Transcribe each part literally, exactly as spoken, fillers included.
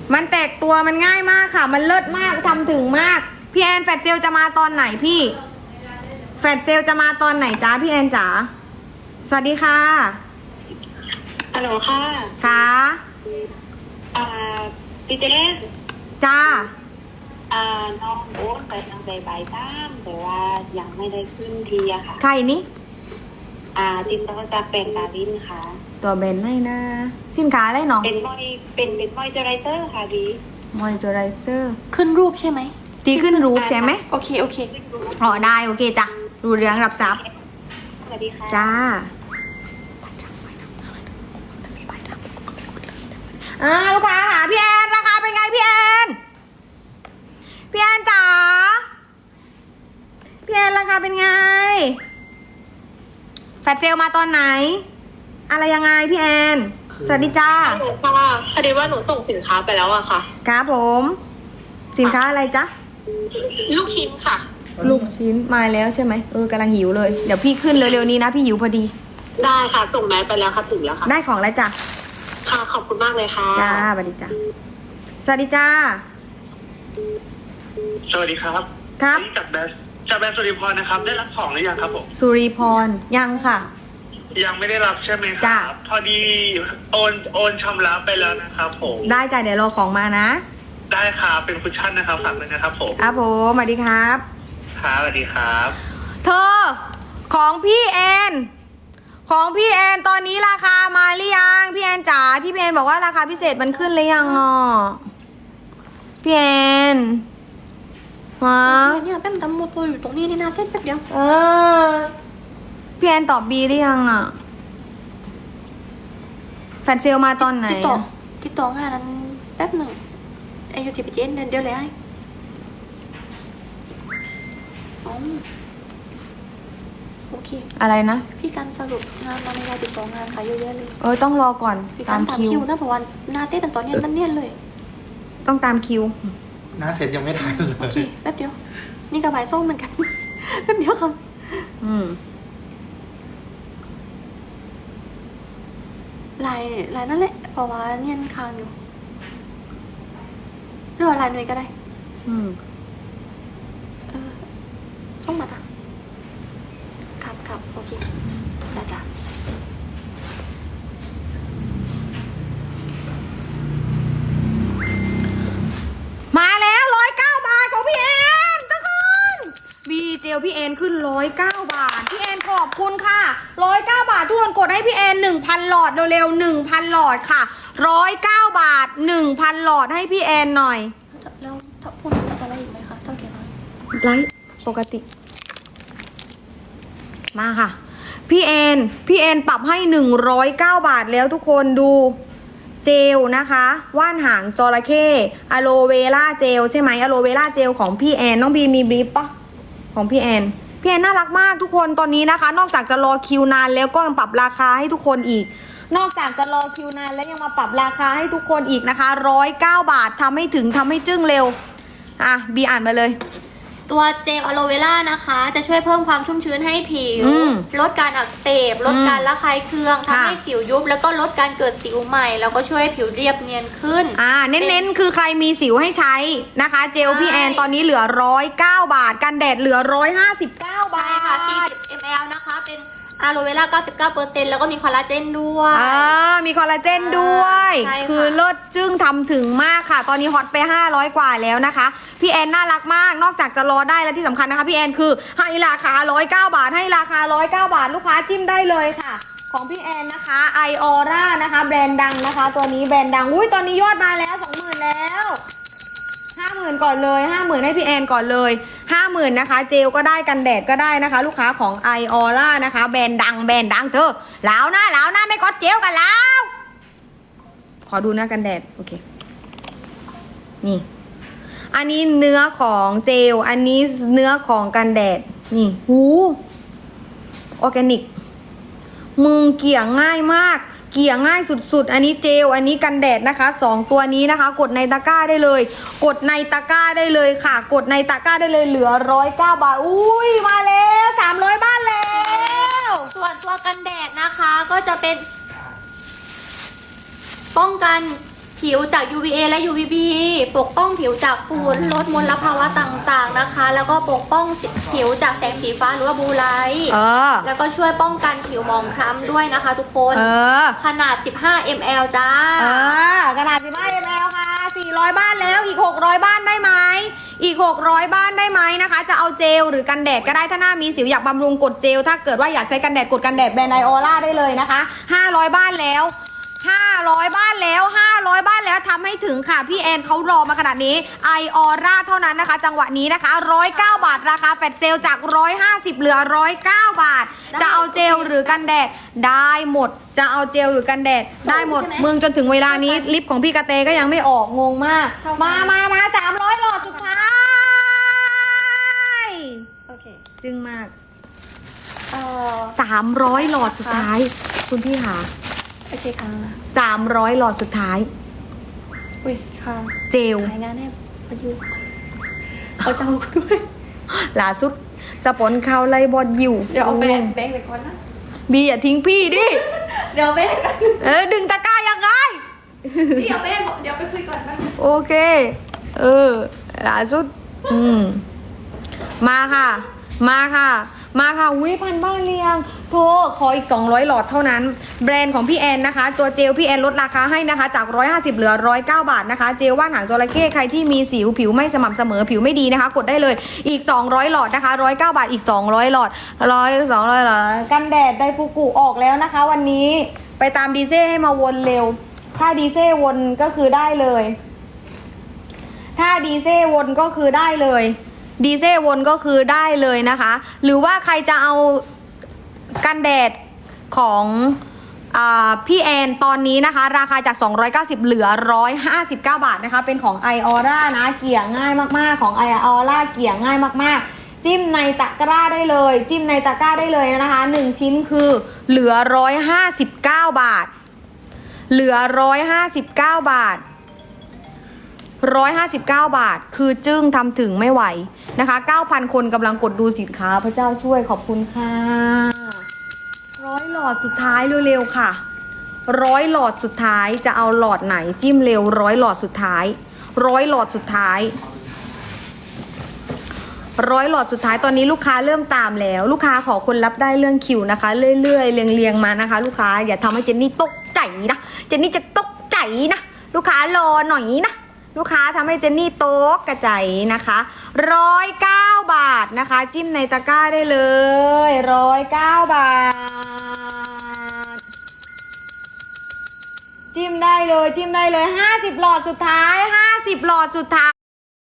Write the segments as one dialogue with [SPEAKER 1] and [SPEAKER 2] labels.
[SPEAKER 1] มันแตกตัวมันง่ายมากค่ะมันเลิศมากทำถึงมากพี่แอนแฟดเซลจะมาตอนไหนพี่แฟดเซลจะมาตอนไหนจ้าพี่แอนจ๋าสวัสดีค่ะ
[SPEAKER 2] ฮัลโหลค่ะ
[SPEAKER 1] ค่ะ
[SPEAKER 2] อ่าพี่เจน
[SPEAKER 1] จ้า
[SPEAKER 2] อ่าน้องโอ๊ตไปทางใบใบบ้างแต่ว่ายังไม่ได้ขึ้นทีอะค่ะ
[SPEAKER 1] ใครนี่
[SPEAKER 2] อ่าติดต่อจากเป็นดาวินค่ะ
[SPEAKER 1] ตัวเบนให้นะสินค้าอะไรน้อง
[SPEAKER 2] เป็นมอยเป็นเป็นมอยเจอไรเซอร์ค่ะดี
[SPEAKER 1] มอยเจอไรเซอร์
[SPEAKER 3] ขึ้นรูปใช่ไหม
[SPEAKER 1] ตีขึ้นรูปใช่ไหม
[SPEAKER 3] โอเคโอเค
[SPEAKER 1] อ๋อได้โอเคจ้ะรู้เรื่องรับทรัพย์
[SPEAKER 2] สวัสดีค่ะ
[SPEAKER 1] จ้าอ่าลูกค้าหาพี่แอนราคาเป็นไงพี่แอนพี่แอนจ๋าพี่แอนราคาเป็นไงแฟลชเซลมาตอนไหนอะไรยังไงพี่แอนสวัสดีจ้า
[SPEAKER 2] หนูค่ะพอดีว่าหนูส่งสินค้าไปแล้วอะค่ะ
[SPEAKER 1] ครับผมสินค้าอะไรจ๊ะ
[SPEAKER 2] ลูกชิ้นค่ะ
[SPEAKER 1] ลูกชิ้นมาแล้วใช่ไหมเออกำลังหิวเลยเดี๋ยวพี่ขึ้นเร็วๆนี้นะพี่หิวพอดี
[SPEAKER 2] ได้ค่ะส่งแมสไปแล้วค่ะถึงแล้วค่ะ
[SPEAKER 1] ได้ของแล้วจ้ะ
[SPEAKER 2] ค่ะขอบคุณมากเลยค่ะ
[SPEAKER 1] จ้าสวัสดีจ้าสวัสดีจ้า
[SPEAKER 4] สวัสดีครับ
[SPEAKER 1] ครับ
[SPEAKER 4] จากแบสจากแบสสุริพรนะครับได้รับของหรือยังครับผม
[SPEAKER 1] สุริพรยังค่ะ
[SPEAKER 4] ยังไม่ได้รับใช่ไหมครับพอดีโอนโอนชำระไปแล้วนะครับผม
[SPEAKER 1] ได้จ้ะเดี๋ยวรอของมานะ
[SPEAKER 4] ได้ครับเป็นคุชชั่นนะครับฝากเลยนะครับผม
[SPEAKER 1] ครับผมสวัสดีครับ
[SPEAKER 4] ครับสวัสดีครับ
[SPEAKER 1] เธอของพี่แอนของพี่แอนตอนนี้ราคามาหรือยังพี่แอนจ๋าที่พี่แอนบอกว่าราคาพิเศษมันขึ้นหรือยังอ่ะพี่แอนฮะ
[SPEAKER 3] เนี่ยแป้มตำโมโปอยู่ตรงนี้นี่นะเส้นแป๊บเดียว
[SPEAKER 1] เออพี่แอนตอบบีหรือยังอ่ะแฟนเซลมาตอนไหน
[SPEAKER 3] ติดต่อติดต่องานนั้นแป๊บหนึ่งไอยูทีพีเจนเดียวเลยไอ้อ๋อโอเค
[SPEAKER 1] อะไรนะ
[SPEAKER 3] พี่การสรุปงานมาในรายติดต่องานค่ะเยอะแยะเลย
[SPEAKER 1] เออต้องรอก่อน
[SPEAKER 3] ตามคิวนะเพราะว่าหน้าเซตตอนนี้นั่นเนี่ยเลย
[SPEAKER 1] ต้องตามคิว
[SPEAKER 5] หน้าเสร็จยังไม่ทันเลย
[SPEAKER 3] โอเคแป๊บเดียวนี่กับใบส้มเหมือนกันแป๊บเดียวครับ
[SPEAKER 1] อืม
[SPEAKER 3] ลายลายนั่นแหละเพราะว่าเนี่ยค้างอยู่หรือว่าลายหน่วยก็ได้
[SPEAKER 1] อืม
[SPEAKER 3] เออส่งมาจ้ะครับครับโอเคจ้ะจ้ะ
[SPEAKER 1] มาแล้วร้อยเก้าบาทของพี่แอนทุกคนบีเจลพี่แอนขึ้นร้อยเก้าบาทพี่แอนขอบคุณค่ะร้อยเก้าบาททุกคนกดให้พี่แอนหนึ่งพันหลอดเร็วๆหนึ่งพันหลอดค่ะร้อยเก้าบาทหนึ่งพันหลอดให้พี่แอนหน่อย
[SPEAKER 3] แล้วถ้าพูดจะอะไรอีกไหมคะเท่าแก่น้อย
[SPEAKER 1] ไลฟ์ปกติมาค่ะพี่แอนพี่แอนปรับให้หนึ่งร้อยเก้าบาทแล้วทุกคนดูเจลนะคะว่านหางจระเข้อะโลเวล่าเจลใช่ไหมอะโลเวล่าเจลของพี่แอนน้องบีมีบลิปปะของพี่แอนพี่แอนน่ารักมากทุกคนตอนนี้นะคะนอกจากจะรอคิวนานแล้วก็ยังปรับราคาให้ทุกคนอีกนอกจากจะรอคิวนานแล้วยังมาปรับราคาให้ทุกคนอีกนะคะร้อยเก้าบาททำให้ถึงทำให้จึ้งเร็วอ่ะบีอ่านมาเลย
[SPEAKER 3] ตัวเจลอะโลเวล่านะคะจะช่วยเพิ่มความชุ่มชื้นให้ผิวลดการอักเสบลดการระคายเคืองทำให้สิวยุบแล้วก็ลดการเกิดสิวใหม่แล้วก็ช่วยผิวเรียบเนียนขึ้น
[SPEAKER 1] อ่าเน้นๆคือใครมีสิวให้ใช้นะคะเจลพี่แอนตอนนี้เหลือร้อยเก้าบาทกันแดดเหลือร้อยห้าสิบเก้าบาท
[SPEAKER 3] ค่ะสี่สิบมิลลิลิตรนะคะเป็นอะโลเวล่า เก้าสิบเก้าเปอร์เซ็นต์ แล้วก็มีคอลลาเจนด้วย
[SPEAKER 1] อ่ามีคอลลาเจนด้วยคือเลิศจึ้งทำถึงมากค่ะตอนนี้ฮอตไปห้าร้อยกว่าแล้วนะคะพี่แอนน่ารักมากนอกจากจะรอได้แล้วที่สำคัญนะคะพี่แอนคือให้ราคาหนึ่งร้อยเก้าบาทให้ราคาหนึ่งร้อยเก้าบาทลูกค้าจิ้มได้เลยค่ะของพี่แอนนะคะไอออร่านะคะแบรนด์ดังนะคะตัวนี้แบรนด์ดังอุ้ยตอนนี้ยอดมาแล้ว สองหมื่น แล้วห้าหมื่นก่อนเลยห้าหมื่นให้พี่แอนก่อนเลยห้าหมื่นนะคะเจลก็ได้กันแดดก็ได้นะคะลูกค้าของไอออร่านะคะแบรนด์ดังแบรนด์ดังเธอแล้วนะแล้วนะไม่ก็เจลกันแล้วขอดูหน้ากันแดดโอเคนี่อันนี้เนื้อของเจลอันนี้เนื้อของกันแดดนี่หูออร์แกนิกมึงเกี่ยง่ายมากเกี่ยง่ายสุดๆอันนี้เจลอันนี้กันแดดนะคะสองตัวนี้นะคะกดในตะกร้าได้เลยกดในตะกร้าได้เลยค่ะกดในตะกร้าได้เลยเหลือร้อยเก้าบาทอุ้ยมาแล้วสามร้อยบ้านแล้ว
[SPEAKER 3] ส่วนตัวกันแดดนะคะก็จะเป็นป้องกันผิวจาก ยู วี เอ และ ยู วี บี ปกป้องผิวจากฝุ่นลดมลภาวะต่างๆนะคะ แล้วก็ปกป้องผิวจากแสงสีฟ้าหรือว่าบลูไลท์
[SPEAKER 1] เออ
[SPEAKER 3] แล้วก็ช่วยป้องกันผิวหมองคล้ำด้วยนะคะทุกคน
[SPEAKER 1] เออ
[SPEAKER 3] ขนาด สิบห้ามิลลิลิตร จ้า
[SPEAKER 1] เออ ขนาด สิบห้า มิลลิลิตร ค่ะ สี่ร้อย บ้านแล้ว อีก หกร้อย บ้านได้ไหม อีก หกร้อย บ้านได้ไหมนะคะ จะเอาเจลหรือกันแดดก็ได้ ถ้าหน้ามีสิวอยากบำรุงกดเจล ถ้าเกิดว่าอยากใช้กันแดดกดกันแดดแบรนด์ไอออร่าได้เลยนะคะ ห้าร้อย บ้านแล้ว ห้าร้อย บ้านแล้ว ห้าร้อย บ้านแล้วทำให้ถึงค่ะ พี่แอนเขารอมาขนาดนี้ไอออร่าเท่านั้นนะคะ จังหวะนี้นะคะหนึ่งร้อยเก้าบาทราคาแฟลชเซลจากหนึ่งร้อยห้าสิบเหลือหนึ่งร้อยเก้าบาท
[SPEAKER 3] ได้
[SPEAKER 1] จะเอาเจลหรือกันแดดได้หมด จะเอาเจลหรือกันแดดได้หมด
[SPEAKER 3] ใช่ไหม
[SPEAKER 1] มึงจนถึงเวลานี้ลิปของพี่กระเตก็ยังไม่ออกงงมาก
[SPEAKER 3] เท่ากัน
[SPEAKER 1] มามามาสามร้อยหลอดสุดท้าย
[SPEAKER 3] โอเค
[SPEAKER 1] จึงมาก
[SPEAKER 3] เอ่อ
[SPEAKER 1] สามร้อยหลอดสุดท้าย คุณพี่หา
[SPEAKER 3] โอเคค่ะ
[SPEAKER 1] สามร้อยหลอดสุดท้าย
[SPEAKER 3] อุ้ยค่ะ
[SPEAKER 1] เจล
[SPEAKER 3] ขายงานแน่ประยุกต์เอาเจ้าด้วย
[SPEAKER 1] ล่าสุดสปอนข่าวไล่บอลอยู่
[SPEAKER 3] เดี๋ยวเอาแบงค์แบงค์ไปก่อนนะ
[SPEAKER 1] บีอย่าทิ้งพี่ดิ
[SPEAKER 3] เดี๋ยวแบงค์กัน
[SPEAKER 1] เออดึงตะกร้ายังไง
[SPEAKER 3] พี่เอาแบงค์เดี๋ยวไปคุยก่อนนะ
[SPEAKER 1] โอเค เออล่าสุด อืม มาค่ะ มาค่ะ มาค่ะวิพันบ้านเรียงโทรขออีกสองร้อยหลอดเท่านั้น แบรนด์ของพี่แอนนะคะ ตัวเจลพี่แอนลดราคาให้นะคะ จากหนึ่งร้อยห้าสิบเหลือหนึ่งร้อยเก้าบาทนะคะ เจลว่านหางจระเข้ใครที่มีสิวผิวไม่สม่ำเสมอผิวไม่ดีนะคะ กดได้เลยอีกสองร้อยหลอดนะคะหนึ่งร้อยเก้าบาทอีกสองร้อยหลอดหนึ่งร้อย สองร้อยหลอดกันแดดไดฟูกุออกแล้วนะคะ วันนี้ไปตามดีเซ่ให้มาวนเร็ว ถ้าดีเซ่วนก็คือได้เลย ถ้าดีเซ่วนก็คือได้เลยดีเซ่วนก็คือได้เลยนะคะ หรือว่าใครจะเอากันแดดของอาพี่แอนตอนนี้นะคะ ราคาจากสองร้อยเก้าสิบเหลือหนึ่งร้อยห้าสิบเก้าบาทนะคะเป็นของ ไอออร่า นะเกลี่ยง่ายมากๆของ ไอออร่า เกลี่ยง่ายมากๆจิ้มในตะกร้าได้เลยจิ้มในตะกร้าได้เลยนะคะหนึ่งชิ้นคือเหลือหนึ่งร้อยห้าสิบเก้าบาทเหลือหนึ่งร้อยห้าสิบเก้าบาทหนึ่งร้อยห้าสิบเก้าบาทคือจึ้งทำถึงไม่ไหวนะคะ เก้าพัน คนกำลังกดดูสินค้าพระเจ้าช่วยขอบคุณค่ะร้อยหลอดสุดท้ายเร็วๆค่ะร้อยหลอดสุดท้ายจะเอาหลอดไหนจิ้มเร็วร้อยหลอดสุดท้ายร้อยหลอดสุดท้ายร้อยหลอดสุดท้ายตอนนี้ลูกค้าเริ่มตามแล้วลูกค้าขอคนรับได้เรื่องคิวนะคะเรื่อยๆเรียงๆมานะคะ ลูกค้าอย่าทำให้เจนนี่ตกใจนะเจนนี่จะตกใจนะลูกค้ารอหน่อยนะลูกค้าทำให้เจนนี่โต๊ะกระจายนะคะร้อยเก้าบาทนะคะจิ้มในตะกร้าได้เลยร้อยเก้าบาทจิ้มได้เลยจิ้มได้เลยห้าสิบหลอดสุดท้ายห้าสิบหลอดสุดท้าย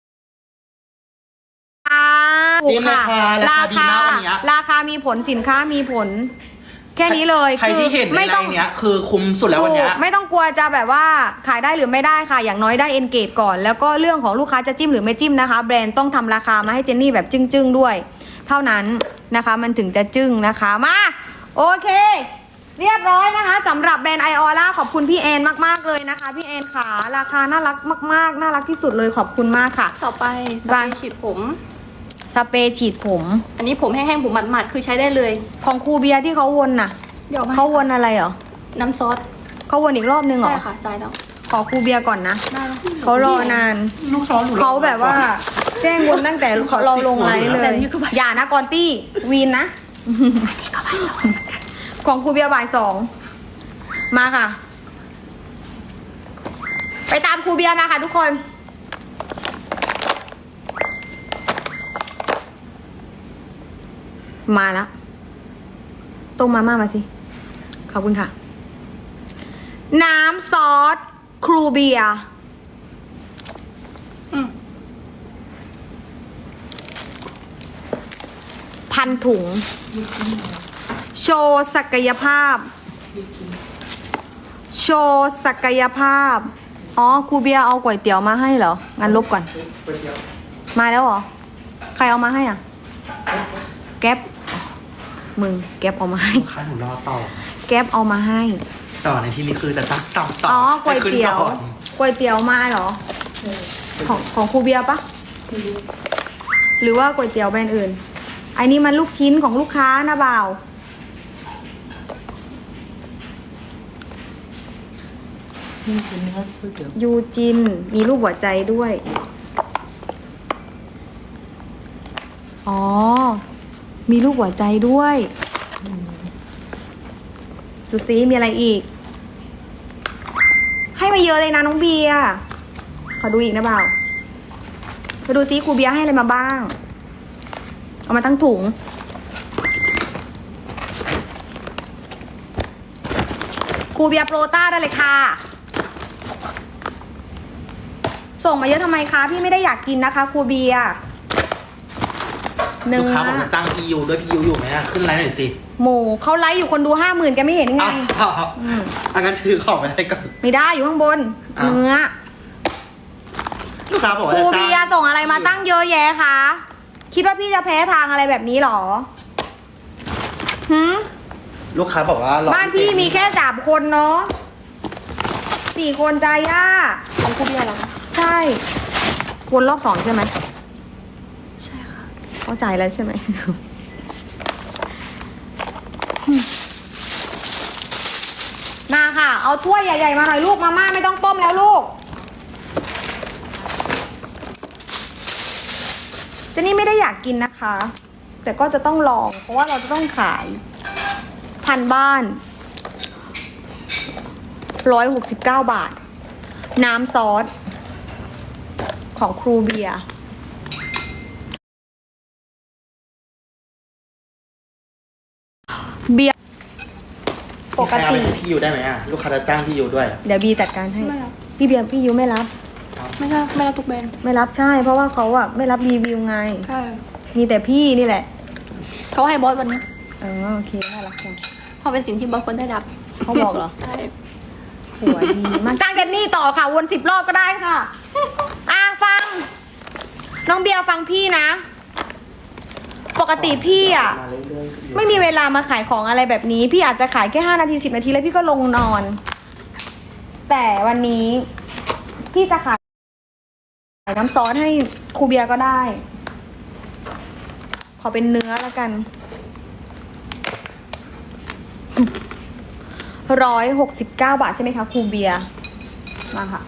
[SPEAKER 5] จิ้มราคาราคาดีมากวันเนี้ย
[SPEAKER 1] ราคามีผลสินค้ามีผล แค่นี้เลย
[SPEAKER 5] ใครที่เห็นใน
[SPEAKER 1] ไม่
[SPEAKER 5] ไล
[SPEAKER 1] ต้อง
[SPEAKER 5] น์เนี้ยคือคุ้มสุดแล้ววันเนี้ย
[SPEAKER 1] ถูกไม่ต้องกลัวจะแบบว่าขายได้หรือไม่ได้ค่ะ อย่างน้อยได้เอนเกจก่อน แล้วก็เรื่องของลูกค้าจะจิ้มหรือไม่จิ้มนะคะ แบรนด์ต้องทำราคามาให้เจนนี่แบบจึ้งๆด้วย เท่านั้นนะคะมันถึงจะจึ้งนะคะมาโอเค เรียบร้อยนะคะสำหรับแบรนด์ไอออร่าขอบคุณพี่แอนมากๆเลยนะคะพี่แอนขาราคาน่ารักมากๆน่ารักที่สุดเลยขอบคุณมากค่ะ
[SPEAKER 3] ต่อไปสเปรย์ฉีดผม
[SPEAKER 1] สเปรย์ฉีดผม
[SPEAKER 3] อันนี้ผมแห้งๆผมหมาดๆคือใช้ได้เลย
[SPEAKER 1] ของครูเบียร์ที่เขาวนน่ะ
[SPEAKER 3] เดี๋ยวมา
[SPEAKER 1] เขาวนอะไรเหรอ
[SPEAKER 3] น้ำซอส
[SPEAKER 1] เขาวนอีกรอบนึงเหรอ
[SPEAKER 3] ใช่ค่ะจ่ายแล้ว
[SPEAKER 1] ขอครูเบียร์ก่อนนะ
[SPEAKER 3] ได้แล้ว
[SPEAKER 1] เขารอนาน
[SPEAKER 5] ลูกช้อนหนู
[SPEAKER 1] เขาแบบว่าแจ้งวนตั้งแต่เราลงไลฟ์เลย อย่านะกอนตี้วีนนะ ของครูเบียร์บ่ายสองมาค่ะ ไปตามครูเบียร์มาค่ะทุกคน มาแล้วต้มมาม่ามาสิ ขอบคุณค่ะ น้ำซอสครูเบียร์
[SPEAKER 3] อืม
[SPEAKER 1] พันถุง โชว์ศักยภาพ โชว์ศักยภาพ อ๋อครูเบียร์เอาก๋วยเตี๋ยวมาให้เหรอ งั้นลบก่อน มาแล้วเหรอ ใครเอามาให้อ่ะ แก๊ปอ๋อมึงแก๊ปเอามาให้
[SPEAKER 5] ลูกค้าหนูรอต่อ
[SPEAKER 1] แก๊ปเอามาให้
[SPEAKER 5] ต่อในที่นี้คือจะตั้งต่อต่อ
[SPEAKER 1] อ๋อ
[SPEAKER 5] อ
[SPEAKER 1] ก๋วยเตี๋ยว
[SPEAKER 5] ให้ขึ้นก่อน
[SPEAKER 1] ก๋วยเตี๋ยวมาเหรอ ของของครูเบียร์ปะหรือว่าก๋วยเตี๋ยวแบรนด์อื่น อันนี้มันลูกชิ้นของลูกค้านะบ่าว ม
[SPEAKER 5] นี่คือเนื้อก๋วยเตี๋ยว
[SPEAKER 1] ยูจิน มีรูปหัวใจด้วย อ๋อ มีรูปหัวใจด้วย ดูซิมีอะไรอีก ให้มาเยอะเลยนะน้องเบียร์ขอดูอีกนะเปล่ามาดูซิครูเบียร์ให้อะไรมาบ้าง เอามาตั้งถุง ครูเบียร์โปรต้าได้เลยค่ะ ส่งมาเยอะทำไมคะพี่ไม่ได้อยากกินนะคะครูเบียร์เนื้
[SPEAKER 5] ลูก
[SPEAKER 1] อ
[SPEAKER 5] ค้าบอกจะจ้างพี่ยูด้วยพี่ยูอยู่ไหมอะขึ้นไลน์หน่อยสิ
[SPEAKER 1] หมูเขาไลฟ์อยู่คนดูห้าหมื่นแกไม่เห็นยังไง
[SPEAKER 5] อ้าว
[SPEAKER 1] อืม
[SPEAKER 5] อางั้นถือของไปให้ก่อน
[SPEAKER 1] ไม่ได้อยู่ข้างบน
[SPEAKER 5] อ้าว
[SPEAKER 1] เนื้อ
[SPEAKER 5] ลูกค้าบอก
[SPEAKER 1] ค
[SPEAKER 5] ว่า
[SPEAKER 1] รู
[SPEAKER 5] จะจ้าง
[SPEAKER 1] เบียร์ส่งอะไรมาตั้งเยอะแยะคะคิดว่าพี่จะแพ้ทางอะไรแบบนี้หรอหืม
[SPEAKER 5] ลูกค้าบอกว่า
[SPEAKER 1] บ้านพี่มีแค่สามคนเนาะสี่คนใจย่า
[SPEAKER 3] ของครูเบียร์เหรอคะ
[SPEAKER 1] ใช่วนรอบสองใช่ไหม
[SPEAKER 3] ใช่ค่ะ
[SPEAKER 1] เข้าใจแล้วใช่ไหม มาค่ะ เอาถ้วยใหญ่ๆมาหน่อยลูกมาม่าไม่ต้องต้มแล้วลูกเจนนี่ไม่ได้อยากกินนะคะ แต่ก็จะต้องลอง เพราะว่าเราจะต้องขายพันบ้านร้อยหกสิบเก้าบาท น้ำซอส ของครูเบียร์เบียร์ปกติ
[SPEAKER 5] พี่ยูได้ไหมอะลูกค้าจะจ้างพี่ยูด้วย
[SPEAKER 1] เดี๋ยวบีจัดการให้
[SPEAKER 3] ไม่รับ
[SPEAKER 1] พี่เบียร์พี่ยูไม่รับ
[SPEAKER 3] ไม่ใช่ไม่รับทุกแบรนด์
[SPEAKER 1] ไม่รับใช่ เพราะว่าเขาอะไม่รับรีวิวไง
[SPEAKER 3] ใช่
[SPEAKER 1] มีแต่พี่นี่แหละ
[SPEAKER 3] เขาให้บอสวันนี้
[SPEAKER 1] เออโอเคน่ารักจัง
[SPEAKER 3] เพราะเป็นสิ่งที่บอสควรได้รับ
[SPEAKER 1] เขาบอกเหรอ
[SPEAKER 3] ใช่
[SPEAKER 1] หัวดีมากจ้างเจนนี่ต่อค่ะ วนสิบรอบก็ได้ค่ะ อ่ะฟัง น้องเบียร์ฟังพี่นะ ปกติพี่อะ
[SPEAKER 5] มาเรื่อยๆ
[SPEAKER 1] ไม่มีเวลามาขายของอะไรแบบนี้ พี่อาจจะขายแค่ห้านาทีสิบนาทีแล้วพี่ก็ลงนอน แต่วันนี้ พี่จะขายน้ำซอสให้ครูเบียร์ก็ได้ ขอเป็นเนื้อแล้วกันร้อยหกสิบเก้าบาทใช่ไหมคะครูเบียร์มาค่ะ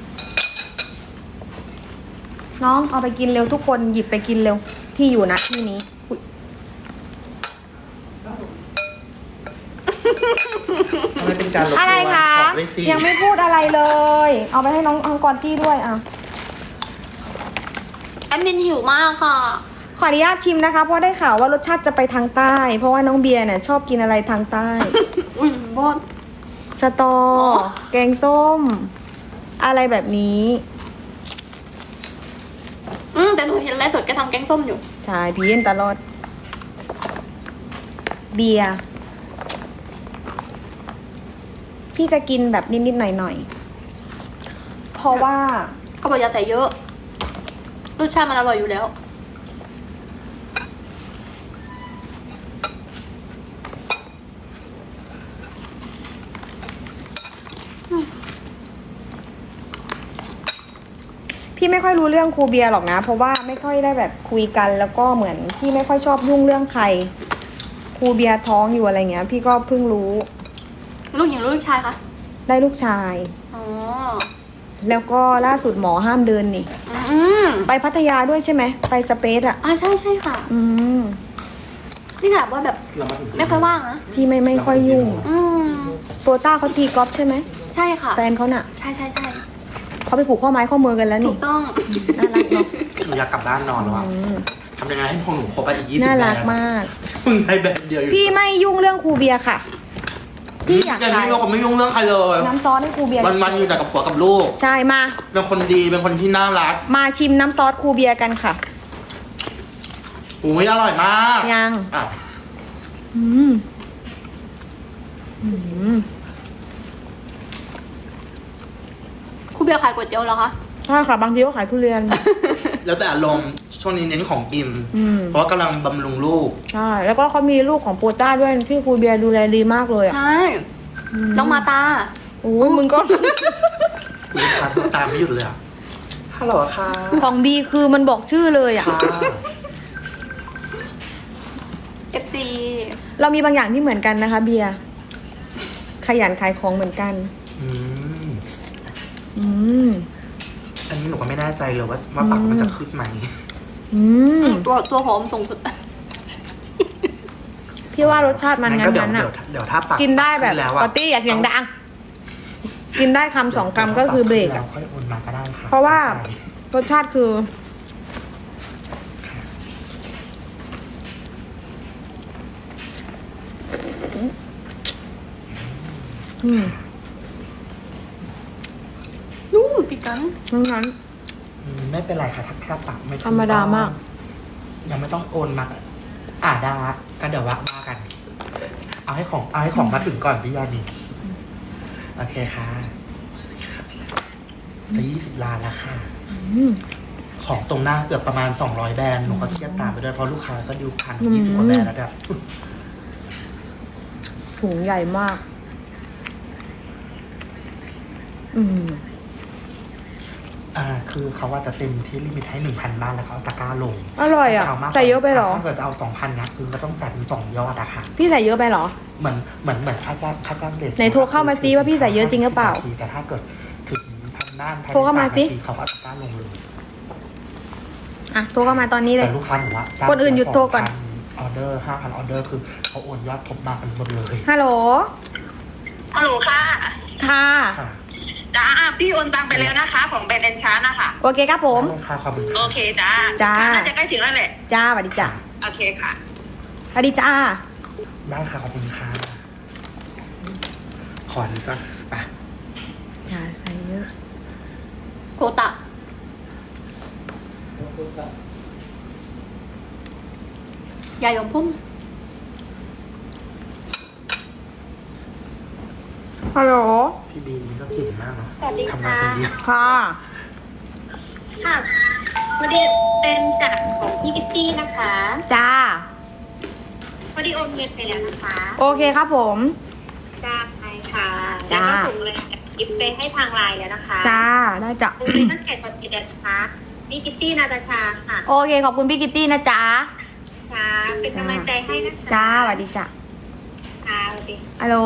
[SPEAKER 1] น้องเอาไปกินเร็วทุกคนหยิบไปกินเร็วที่อยู่นะที่นี้อุ๊ย
[SPEAKER 5] ทำไมเป็นการลบ
[SPEAKER 1] อะไรคะ
[SPEAKER 5] ขอด้วยสิ
[SPEAKER 1] ยังไม่พูดอะไรเลย เอาไปให้น้องอังกอรตี้ด้วยอ่ะ
[SPEAKER 3] แอดมินหิวมากค่ะ
[SPEAKER 1] ขออนุญาตชิมนะคะ เพราะได้ข่าวว่ารสชาติจะไปทางใต้ เพราะว่าน้องเบียร์เนี่ยชอบกินอะไรทางใต้
[SPEAKER 3] อุ้ยบอส
[SPEAKER 1] สตอ แกงส้ม อะไรแบบนี้
[SPEAKER 3] อืมแต่หนูเห็นไลฟ์สดแกทำแกงส้มอยู่
[SPEAKER 1] ใช่พี่เย็นตลอด เบียร์พี่จะกินแบบนิดๆหน่อยๆ เพราะว่า
[SPEAKER 3] เขาบอกอย่าใส่เยอะ รสชาติมันอร่อยอยู่แล้ว
[SPEAKER 1] พี่ไม่ค่อยรู้เรื่องครูเบียร์หรอกนะ เพราะว่าไม่ค่อยได้แบบคุยกัน แล้วก็เหมือนพี่ไม่ค่อยชอบยุ่งเรื่องใคร ครูเบียร์ท้องอยู่อะไรเงี้ย พี่ก็เพิ่งรู้
[SPEAKER 3] ลูกหญิงลูกชายคะ
[SPEAKER 1] ได้ลูกชาย
[SPEAKER 3] อ๋อ
[SPEAKER 1] แล้วก็ล่าสุดหมอห้ามเดินนี่
[SPEAKER 3] อืม
[SPEAKER 1] ไปพัทยาด้วยใช่ไหม ไปสเปซอ่ะ
[SPEAKER 3] อ่าใช่ใช่ค่ะ
[SPEAKER 1] อืม
[SPEAKER 3] นี่ขนาดว่าแบบ
[SPEAKER 5] เรามาถึง
[SPEAKER 3] ไม่ค่อยว่างนะ
[SPEAKER 1] พี่ไม่ไม่ค่อยยุ่ง
[SPEAKER 3] อืม
[SPEAKER 1] โปรต้าเขาตีกอล์ฟใช่ไหม
[SPEAKER 3] ใช่ค่ะ
[SPEAKER 1] แฟนเขาน่ะ
[SPEAKER 3] ใช่ใช่ใช่
[SPEAKER 1] เขาไปผูกข้อไม้ข้อมือกันแล้ว
[SPEAKER 3] ถู
[SPEAKER 1] นี่
[SPEAKER 3] กต้อง
[SPEAKER 1] น่ารักเนาะ
[SPEAKER 5] หนูอยากกลับบ้านนอนแล้วอะ
[SPEAKER 1] อืม
[SPEAKER 5] ทำยังไงให้ของหนูครบไปอีกยี่สิบ
[SPEAKER 1] น่า
[SPEAKER 5] แบร
[SPEAKER 1] รัก
[SPEAKER 5] นด์
[SPEAKER 1] มาก
[SPEAKER 5] มึงให้แบรนด์เดียวอยู่
[SPEAKER 1] พี่ไม่ยุ่งเรื่องครูเบียร์ค่ะ พี่อยาก
[SPEAKER 5] อย่าง
[SPEAKER 1] ขาย
[SPEAKER 5] นี้เราก็ไม่ยุ่งเรื่องใครเลย
[SPEAKER 1] น้ำซอสให้ครูเบียร์
[SPEAKER 5] วันวันๆอยู่แต่กับผัวกับลูก
[SPEAKER 1] ใช่มา
[SPEAKER 5] เป็นคนดีเป็นคนที่น่ารัก
[SPEAKER 1] มาชิมน้ำซอสครูเบียร์กันค่ะ
[SPEAKER 5] อุ้ยอร่อยมาก
[SPEAKER 1] ยัง
[SPEAKER 5] อ่ะ
[SPEAKER 1] อืมอืม
[SPEAKER 3] ครูเบียร์ขายก๋วยเตี๋ยวเหรอคะ
[SPEAKER 1] ใช่ค่ะบางทีก็ขายทุเรียน
[SPEAKER 5] แล้วแต่อารมณ์ช่วงนี้เน้นของกิน
[SPEAKER 1] อืม
[SPEAKER 5] เพราะว่ากำลังบำรุงลูก
[SPEAKER 1] ใช่แล้วก็เขามีลูกของโปต้าด้วยที่ครูเบียร์ดูแลดีมากเลยอ่ะ
[SPEAKER 3] ใช่น้องมาตา
[SPEAKER 1] โอ้ยมึงก็
[SPEAKER 5] ลูกค้าโทรตามไม่หยุดเลยอ่ะฮัลโหลค่ะ
[SPEAKER 1] ของบีคือมันบอกชื่อเลยอ่ะ
[SPEAKER 5] ค่ะ
[SPEAKER 3] เอฟซี
[SPEAKER 1] เรามีบางอย่างที่เหมือนกันนะคะ เบียร์ขยันขายของเหมือนกัน
[SPEAKER 5] อืม
[SPEAKER 1] อืม
[SPEAKER 5] อันนี้หนูก็ไม่แน่ใจเลยว่าว่าปากมันจะขึ้นไหม
[SPEAKER 1] อืม
[SPEAKER 3] ตัวตัวหอมสูงสุด
[SPEAKER 1] พี่ว่ารสชาติมัน
[SPEAKER 5] งั้น
[SPEAKER 1] งั้
[SPEAKER 5] ก็
[SPEAKER 1] น
[SPEAKER 5] เดี๋ยว
[SPEAKER 1] นั้น
[SPEAKER 5] เดี๋
[SPEAKER 1] อะ
[SPEAKER 5] ยวเดี๋ยวถ้าปาก
[SPEAKER 1] กินได้แบบ
[SPEAKER 5] ขึ้แล้ว
[SPEAKER 1] ป
[SPEAKER 5] อะ
[SPEAKER 1] กติอย่าเสียงดัง กินได้คำสองคำก็คือเบรก
[SPEAKER 5] แล้
[SPEAKER 1] อะ
[SPEAKER 5] วค่อยโอนมาก็ได้ค่ะ
[SPEAKER 1] เพราะว่า
[SPEAKER 5] ใช่
[SPEAKER 1] รสชาติคือ อืม
[SPEAKER 3] นุ่มปิกัน
[SPEAKER 1] งั้นงั้น
[SPEAKER 5] อืมไม่เป็นไรค่ะถ้าถ้าปากไม่ขึ้น
[SPEAKER 1] ธรรมดามาก
[SPEAKER 5] ยังไม่ต้องโอนมาอ่าได้ก็เดี๋ยวว่ามากัน เอาให้ของเอาให้ของมาถึงก่อนพี่ยานีโอเคค่ะจะยี่สิบล้านแล้วค่ะ
[SPEAKER 1] อืม
[SPEAKER 5] ของตรงหน้าเกือบประมาณสองร้อยแบรนด์หนูก็เครียดตามไปด้วยเพราะลูกค้าก็ดิวพัน
[SPEAKER 1] อืม
[SPEAKER 5] ยี่สิบกว่าแบรนด์แล้วแบบ
[SPEAKER 1] ถุงใหญ่มาก อืม
[SPEAKER 5] อ่าคือเขาว่าจะเต็มที่ลิมิตให้หนึ่งพันบ้านแล้วเขาเอาตะกร้าลง
[SPEAKER 1] อร่อยอ่ะ
[SPEAKER 5] ถ้าจามากกว่า
[SPEAKER 1] ใส่เยอะไปเหรอ
[SPEAKER 5] ถ้าเกิดจะเอาสองพันเนี้ยคือก็ต้องจ่ายเป็นสองยอดอะค่ะ
[SPEAKER 1] พี่ใส่เยอะไปเหรอ
[SPEAKER 5] เหมือนเหมือนเหมือนค่าจ้างค่าจ้างเด็ก
[SPEAKER 1] ไหนโทรเข้ามาซิว่าพี่ใส่เยอะจริงหรือเปล่า
[SPEAKER 5] แต่ถ้าเกิดถึงพันบ้านภยใน
[SPEAKER 1] โทรเข้ามาสิ
[SPEAKER 5] สนทีเขาก็เอาตะกร้าลงเลย
[SPEAKER 1] อ่ะโทรเข้ามาตอนนี้เลย
[SPEAKER 5] แต่ลูกค้าหนูว่าจ้าง
[SPEAKER 1] คนอื่นหยุดโทรก่อน
[SPEAKER 5] ออเดอร์ห้าพันออเดอร์คือเขาโอนยอดครบมากันหมดเลย
[SPEAKER 1] ฮัลโหล
[SPEAKER 2] ฮัลโหลค่ะ
[SPEAKER 1] ค่ะ
[SPEAKER 5] ค่ะ
[SPEAKER 2] จ้าพี่โอนตังไปแล้วนะคะ ของแบรนด์แอนชาร์นะคะ
[SPEAKER 1] โอเคครับผม
[SPEAKER 5] ได้ค่ะขอบคุณ
[SPEAKER 2] โอ
[SPEAKER 5] ค่ะ
[SPEAKER 2] เคจ้า
[SPEAKER 1] จ้า
[SPEAKER 2] ค่ะน่าจะใกล้ถึงแล้วแหละ
[SPEAKER 1] จ้าสวัสดีจ้า
[SPEAKER 2] โอเคค่ะ
[SPEAKER 1] สวัสดีจ้า
[SPEAKER 5] ได้ค่ะขอบคุณค่ะขอนี้จ้ะไป
[SPEAKER 1] อย่าใส่เยอะ
[SPEAKER 3] โคตะยายยมพุ่ม
[SPEAKER 1] ฮัลโหล
[SPEAKER 5] พี่บีนี่ก็เก่งมากเนาะ
[SPEAKER 2] สวัสดีค่ะ
[SPEAKER 5] ทำงานคนเดียว
[SPEAKER 1] ค่ะ
[SPEAKER 2] ค่ะพอดีเป็นจากของพี่กิตตี้นะคะ
[SPEAKER 1] จ้า
[SPEAKER 2] พอดีโอนเงินไปแล้วนะคะ
[SPEAKER 1] โอเคครับผม
[SPEAKER 2] จ้าไปค่ะ
[SPEAKER 1] จ้า
[SPEAKER 2] แล้วก็ส่งเลยกิฟไปให้ทางไลน์แล้วนะคะ
[SPEAKER 1] จ้า ได้จ้ะ
[SPEAKER 2] โอนเงินตั้งแต่ตอนกี่เดือนนะคะพี่กิตตี้นาตาชาค่ะ
[SPEAKER 1] โอเค ขอบคุณพี่กิตตี้นะจ๊ะ
[SPEAKER 2] ค่ะเป็นกำลังใจให้นะคะ
[SPEAKER 1] จ้าสวัสดีจ้ะ
[SPEAKER 2] ค่ะสวัสดี
[SPEAKER 1] ฮัลโหล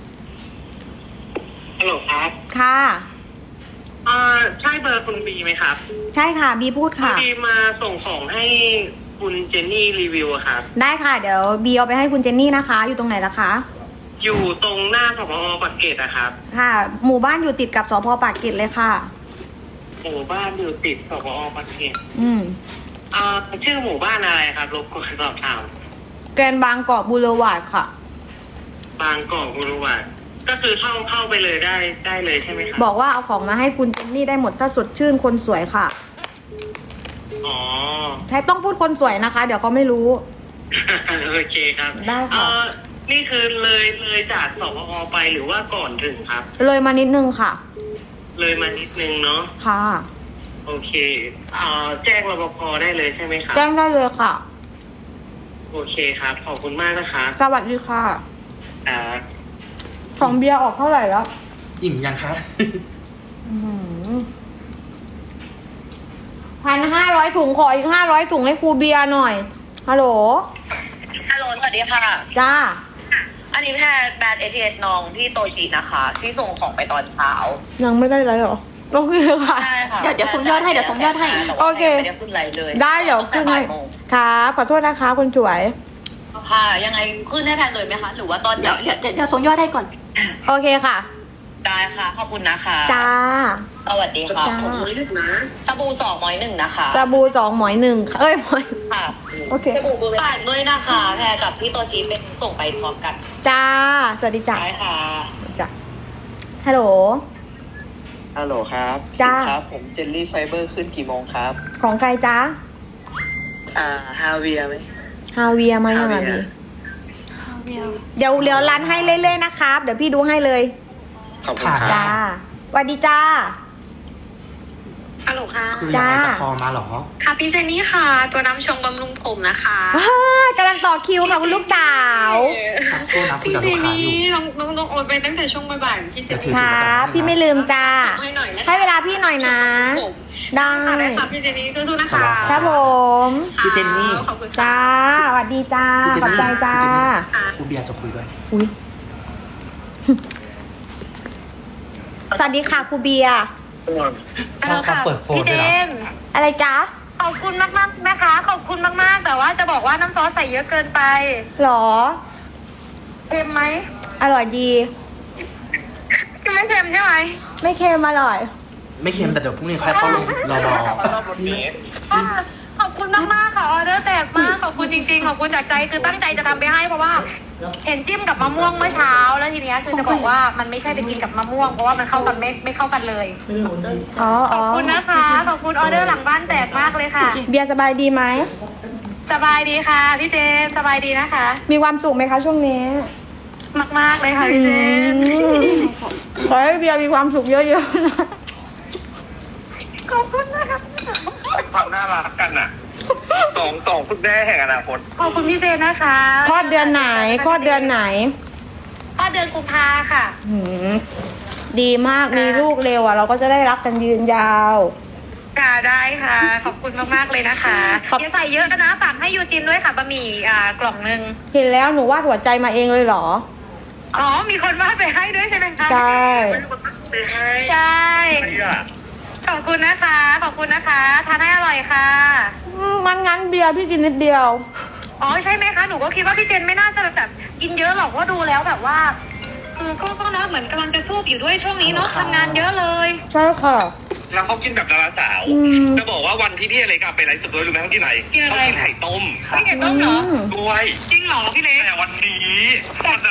[SPEAKER 4] ฮัลโหลครับ
[SPEAKER 1] ค่ะ
[SPEAKER 4] อ่าใช่เบอร์คุณบีไหมครับ
[SPEAKER 1] ใช่ค่ะ บีพูด
[SPEAKER 4] พอ
[SPEAKER 1] ค่ะ
[SPEAKER 4] ดีมาส่งของให้คุณเจนนี่รีวิวอะครับ
[SPEAKER 1] ได้ค่ะ เดี๋ยวบีเอาไปให้คุณเจนนี่นะคะ อยู่ตรงไหนล่ะคะ
[SPEAKER 4] อยู่ตรงหน้าสพอปากเกร็ดอะครับ
[SPEAKER 1] ค่ะ หมู่บ้านอยู่ติดกับสพปากเกร็ดเลยค่ะ
[SPEAKER 4] หมู่บ้านอยู่ติดสพอปากเกร็ด
[SPEAKER 1] อืม
[SPEAKER 4] อ่าชื่อหมู่บ้านอะไรครับรบกวนสอบถาม
[SPEAKER 1] แกรนด์บางกอกบูเลวาร์ดค่ะ
[SPEAKER 4] บางกอกบุรีวัดก็คือเข้าเข้าไปเลยได้ได้เลยใช่ไหมครับ
[SPEAKER 1] บอกว่าเอาของมาให้คุณเจนนี่ได้หมดถ้าสดชื่นคนสวยค่ะ
[SPEAKER 4] อ๋อ
[SPEAKER 1] ใช่ต้องพูดคนสวยนะคะ เดี๋ยวเขาไม่รู้
[SPEAKER 4] โอเคครับ
[SPEAKER 1] ได้ค่ะ
[SPEAKER 4] เอ่อนี่คือเลยเลยจากสพอไปหรือว่าก่อนถึงครับ
[SPEAKER 1] เลยมานิดนึงค่ะ
[SPEAKER 4] เลยมานิดนึงเนาะ
[SPEAKER 1] ค่ะ
[SPEAKER 4] โอเคเอ่อแจ้งรปภได้เลยใช่ไหมครับ
[SPEAKER 1] แจ้งได้เลยค่ะ
[SPEAKER 4] โอเคครับ ขอบคุณมากนะครับ
[SPEAKER 1] สวัสดีค่ะ
[SPEAKER 4] อ่า
[SPEAKER 1] ของเบียร์ออกเท่าไหร่แล้ว
[SPEAKER 5] อิ่มยังคะ
[SPEAKER 1] พันห้าร้อยถุงขออีกห้าร้อยถุงให้ครูเบียร์หน่อย ฮัลโหล
[SPEAKER 6] ฮัลโหลสวัสดีค่ะ
[SPEAKER 1] จ้า
[SPEAKER 6] อันนี้แพทย์แบรนด์เอทีเอสน้องที่โตชินะคะ ที่ส่งของไปตอนเช้า
[SPEAKER 1] ยังไม่ได้ไรหรอ โอเคค่ะ
[SPEAKER 6] ใช่ค่ะ
[SPEAKER 3] เดี๋ยวเดี๋ยวส่งยอดให้เดี๋ยวส่งยอดให้
[SPEAKER 6] แต่ว่า
[SPEAKER 1] โอเค
[SPEAKER 6] ไม่ได้ขึ้นไรเลย
[SPEAKER 1] ได้เดี๋ยว
[SPEAKER 6] ตั้
[SPEAKER 1] ขึ้น
[SPEAKER 6] งแต่
[SPEAKER 1] ให้
[SPEAKER 6] บ่ายโมง
[SPEAKER 1] ครับขอโทษนะคะคุณสวย
[SPEAKER 6] ค่ะ ยังไงขึ้นให้แพทย์เลยไหมคะ หรือว่าตอน
[SPEAKER 3] เดี๋ยวเดี๋ยวเดี๋ยวเดี๋ยวส่งยอดให้ก่อน
[SPEAKER 1] โอเคค่ะ
[SPEAKER 6] ได้ค่ะ ขอบคุณนะคะ
[SPEAKER 1] จ้า
[SPEAKER 6] สวัสดีค่ะ
[SPEAKER 1] จ้า
[SPEAKER 4] ผมไม่ลึกนะ
[SPEAKER 6] สบู่สองหมอยหนึ่งนะคะ
[SPEAKER 1] สบู่สองหมอยหนึ่งเอ้ยหมอย
[SPEAKER 6] ค่ะ
[SPEAKER 1] โอเค
[SPEAKER 6] ฝากด้วยนะคะแพรกับพี่โตชิเป็นส่งไปพร้อมกัน
[SPEAKER 1] จ้า สวัสดีจ้า
[SPEAKER 6] ได้ค่ะ
[SPEAKER 1] จ้าฮัลโหล
[SPEAKER 7] ฮัลโหลครับ
[SPEAKER 1] จ้า
[SPEAKER 7] ครับ ผมเจลลี่ไฟเบอร์ขึ้นกี่โมงครับ
[SPEAKER 1] ของใครจ้า
[SPEAKER 7] อ่าฮาเวียไหม
[SPEAKER 1] ฮาเวียมายังไง
[SPEAKER 7] ฮาเวี
[SPEAKER 1] บี
[SPEAKER 7] ย
[SPEAKER 1] เดี๋ยวเดี๋ยวรันให้เรื่อยๆนะครับ เดี๋ยวพี่ดูให้เลย
[SPEAKER 7] ขอบคุณค
[SPEAKER 1] จ้า
[SPEAKER 7] รับ
[SPEAKER 1] สวัสดีจ้า
[SPEAKER 2] ฮัลโหลค่ะ
[SPEAKER 5] คือยังไง
[SPEAKER 1] จ้า
[SPEAKER 5] จะคอมาเหรอ
[SPEAKER 2] ค่ะพี่เจนนี่ค่ะ ตัวน้ำชงบำรุงผมนะคะ
[SPEAKER 1] อ่ากำลังต่อคิวค่ะคุณลูกสาว
[SPEAKER 5] สักครู่นะคุย
[SPEAKER 2] พี่
[SPEAKER 5] กับ
[SPEAKER 2] เจ
[SPEAKER 5] ลูก
[SPEAKER 2] น
[SPEAKER 5] ค้า
[SPEAKER 2] นี่
[SPEAKER 5] อยู่
[SPEAKER 2] น้องน้องน้องโอนไปตั้งแต่ช่วงบ่ายๆพี่เจน
[SPEAKER 5] ถื
[SPEAKER 2] นี่
[SPEAKER 5] อ
[SPEAKER 1] ครับพี่ไม่ลืมจ้า
[SPEAKER 2] ให้หน่อยนะคะ
[SPEAKER 1] ให้เวลาพี่หน่อยนะ
[SPEAKER 2] ผม
[SPEAKER 1] ได้
[SPEAKER 2] ค่ะได้ค่ะพี่เจนนี่สู้ๆนะคะ
[SPEAKER 1] ครับผม
[SPEAKER 5] พี่เจนนี่
[SPEAKER 2] ขอบคุณค่ะ
[SPEAKER 1] จ้าสวัสดีจ้า
[SPEAKER 5] พี่เจน
[SPEAKER 1] ขอบ
[SPEAKER 5] นี่
[SPEAKER 1] ใจจ้า
[SPEAKER 5] พี่เจนนี่ครูเบียร์จะคุยด้วย
[SPEAKER 1] อุ้ย สวัสดีค่ะครูเบียร์
[SPEAKER 5] ชอบการเปิดโฟน
[SPEAKER 6] พี่
[SPEAKER 5] ด้
[SPEAKER 6] เจ
[SPEAKER 5] วยเหรอ
[SPEAKER 6] มส์
[SPEAKER 1] อะไรจ๊ะ
[SPEAKER 6] ขอบคุณมากๆนะคะ ขอบคุณมากๆ แต่ว่าจะบอกว่าน้ำซอสใส่เยอะเกินไป
[SPEAKER 1] หรอ
[SPEAKER 6] เค็มไหม
[SPEAKER 1] อร่อยดี
[SPEAKER 6] ไม่เค็มใช่ไหม
[SPEAKER 1] ไม่เค็มอร่อย
[SPEAKER 5] ไม่เค็มแต่เดี๋ยวพรุ่งนี้ค่อยเข้าลงรอรอ
[SPEAKER 4] รอบรถนี้
[SPEAKER 6] ขอบคุณมากๆค่ะออเดอร์แตกมากขอบคุณจริงๆขอบคุณจากใจคือตั้งใจจะทำไปให้เพราะว่า เห็นจิ้มกับมะม่วงเมื่อเช้าแล้วทีเนี้ยคือจะบอกว่ามันไม่ใช่ไปกินกับมะม่วงเพราะว่ามันเข้ากันไม่ไม่เข้ากันเลย
[SPEAKER 1] อ๋อ
[SPEAKER 6] ข
[SPEAKER 1] อ๋
[SPEAKER 6] อ
[SPEAKER 1] อบ
[SPEAKER 6] คุณนะคะขอบคุณออเดอร์หลังบ้านแตกมากเลยค่ะ
[SPEAKER 1] เบียร์สบายดีไหม
[SPEAKER 6] สบายดีค่ะพี่เจมส์สบายดีนะคะ
[SPEAKER 1] มีความสุขไหมคะช่วงนี้
[SPEAKER 6] มากๆเลยค่ะพี่เจมส์
[SPEAKER 1] ขอให้เบียร์มีความสุขเยอะๆนะ
[SPEAKER 6] ขอบคุณนะคะ
[SPEAKER 4] ความน่ารักกันอ่ะสองสองคุณแม่แห่งอนาคต
[SPEAKER 6] ขอบคุณพี่เจมส์นะคะ
[SPEAKER 1] คลอดเดือนไหนคลอดเดือนไหน
[SPEAKER 6] คลอดเดือนกุมภาค่ะ
[SPEAKER 1] หืมดีมากมีลูกเร็วอ่ะ เราก็จะได้รักกันยืนยาว
[SPEAKER 6] ค่ะได้ค่ะ ขอบคุณมากๆเลยนะคะ
[SPEAKER 1] ขอบ
[SPEAKER 6] อย่าใส่เยอะนะฝากให้ยูจินด้วยค่ะบะหมี่อ่ากล่องนึง
[SPEAKER 1] เห็นแล้วหนูวาดหัวใจมาเองเลยเหรอ
[SPEAKER 6] อ๋อมีคนวาดไปให้ด้วยใช่ไหมคะ
[SPEAKER 1] ใช่
[SPEAKER 4] ไปให้
[SPEAKER 6] ใช่
[SPEAKER 4] ใครอ่ะ
[SPEAKER 6] ขอบคุณนะคะ ขอบคุณนะคะทานให้อร่อยค่ะ
[SPEAKER 1] อืมมันงั้นเบียร์พี่กินนิดเดียว
[SPEAKER 6] อ๋อใช่ไหมคะหนูก็คิดว่าพี่เจนไม่น่าจะแบบกินเยอะหรอกว่าะดูแล้วแบบว่าคือก็ก็เนาะเหมือนกำลังจะสู้อยู่ด้วยช่วงนี้เนาะทำงานเยอะเลย
[SPEAKER 1] ใช่ค่ะ
[SPEAKER 4] แล้วเขากินแบบดาราสาว
[SPEAKER 1] อืม
[SPEAKER 4] จะบอกว่าวันที่พี่อเล็กอะไปไลฟ์สดด้วยรู้ไหมเขากินอะไร
[SPEAKER 6] กินอะไร
[SPEAKER 4] เขากินไข่ต้ม
[SPEAKER 6] พี่เกดต้มเหรอ
[SPEAKER 1] อืม
[SPEAKER 4] ด้วย
[SPEAKER 6] จริงเหรอพี่เล็ก
[SPEAKER 4] แต่วันนี้มัน